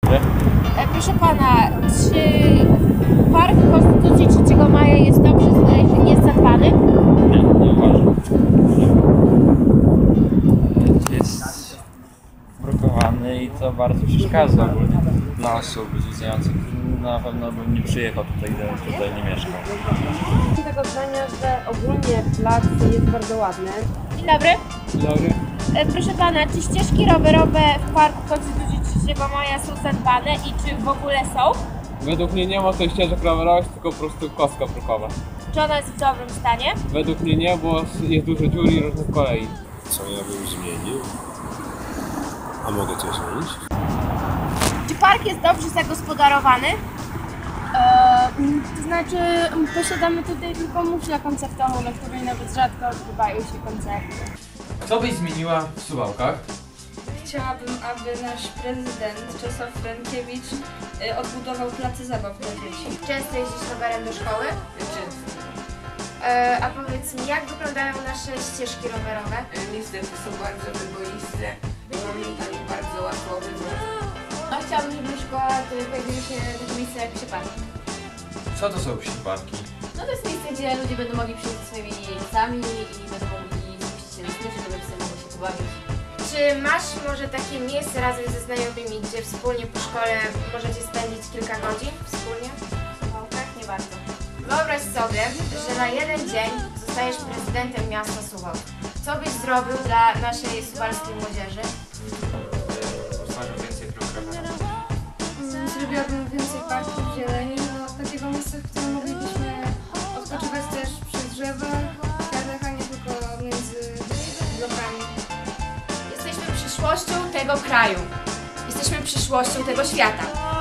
Proszę pana, czy Park Konstytucji 3 Maja jest dobrze, jest zadbany? Nie uważam. Jest brukowany i to bardzo przeszkadza ogólnie dla osób zwiedzających. Na pewno bym nie przyjechał tutaj, gdybym tutaj nie mieszkał. Jestem tego zdania, że ogólnie plac jest bardzo ładny. Dzień dobry. Dzień dobry. Proszę pana, czy ścieżki rowerowe w Parku Konstytucji 3 Maja są zadbane i czy w ogóle są? Według mnie nie ma tutaj ścieżek rowerowych, tylko po prostu kostka brukowa. Czy ona jest w dobrym stanie? Według mnie nie, bo jest dużo dziur i różnych kolei. Co ja bym zmienił? A mogę coś zmienić? Czy park jest dobrze zagospodarowany? To znaczy posiadamy tutaj tylko muszlę koncertową, na której nawet rzadko odbywają się koncerty. Co byś zmieniła w Suwałkach? Chciałabym, aby nasz prezydent Czesław Frankiewicz odbudował place zabaw dla dzieci. Często jeździsz rowerem do szkoły? A powiedz mi, jak wyglądają nasze ścieżki rowerowe? Niestety są bardzo wyboiste i momentami bardzo łatwo obydwoje. No, chciałabym, żeby szkoła pojawiły się takie miejsca jak przypadki. Co to są przypadki? No to jest miejsce, gdzie ludzie będą mogli przyjść ze swoimi jeźdźcami i będą mogli spuścić się na smyczy, żeby sobie mogli się pobawić. Czy masz może takie miejsce razem ze znajomymi, gdzie wspólnie po szkole możecie spędzić kilka godzin wspólnie? Tak, nie bardzo. Wyobraź sobie, że na jeden dzień zostajesz prezydentem miasta Suwałk. Co byś zrobił dla naszej suwalskiej młodzieży? Powstaną więcej dróg rowerowych. Zrobiłabym więcej parków zieleni, takiego miejsca, w którym moglibyśmy odpoczywać też przy drzewach, kwiatach, a nie tylko między blokami. Jesteśmy przyszłością tego kraju. Jesteśmy przyszłością tego świata.